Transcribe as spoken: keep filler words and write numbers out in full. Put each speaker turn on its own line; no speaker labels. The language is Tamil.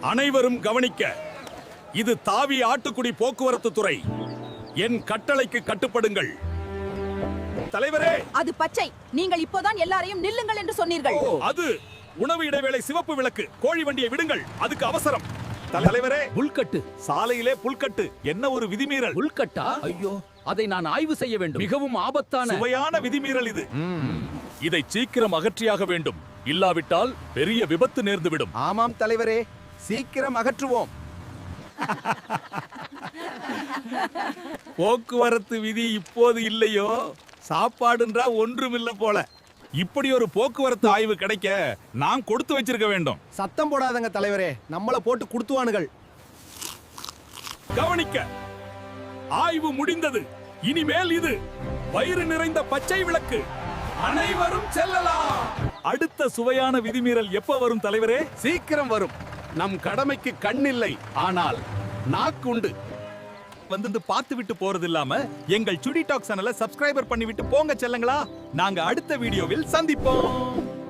அனைவரும் கவனிக்க, இது தாவி ஆட்டுக்குடி போக்குவரத்து துறை. என் கட்டளைக்கு கட்டுப்படுங்கள். தலைவரே,
அது பச்சை. நீங்கள் இப்போதான் எல்லாரையும் நில்லுங்கள் என்று சொன்னீர்கள்.
அது உணவு இடைவேளை. சிவப்பு விளக்கு. கோழி வண்டியை விடுங்கள், அதுக்கு அவசரம். தலைவரே,
புல்கட்டு.
சாலையிலே புல்கட்டு. என்ன ஒரு விதிமீறல்!
புல்கட்டா? ஐயோ, அதை நான் ஆய்வு செய்ய வேண்டும். மிகவும் ஆபத்தான
சுவையான விதிமீறல் இது. இதை சீக்கிரம் அகற்றியாக வேண்டும், இல்லாவிட்டால் பெரிய விபத்து நேர்ந்துவிடும்.
ஆமாம் தலைவரே, சீக்கிரம் அகற்றுவோம்.
போக்குவரத்து விதி இப்போது இல்லையோ, சாப்பாடுன்றா ஒன்றுமில்ல போல. இப்படி ஒரு போக்குவரத்து ஆய்வு கிடைக்க நான் கொடுத்து வச்சிருக்க வேண்டும்.
சத்தம் போடாதங்க தலைவரே, நம்மள போட்டு குடுத்துவானுகள்.
கவனிக்க, ஆய்வு முடிந்தது. இனிமேல் இது வயிறு நிறைந்த பச்சை விளக்கு. அனைவரும் செல்லலாம். அடுத்த சுவையான விதிமீறல் எப்ப வரும் தலைவரே?
சீக்கிரம் வரும். நம் கடமைக்கு கண்ணில்லை, ஆனால் நாக்குண்டு.
வந்து பார்த்து விட்டு போறது இல்லாம எங்கள் சுடி டாக் சேனலை சப்ஸ்கிரைபர் பண்ணி விட்டு போங்க செல்லங்களா. நாங்க அடுத்த வீடியோவில் சந்திப்போம்.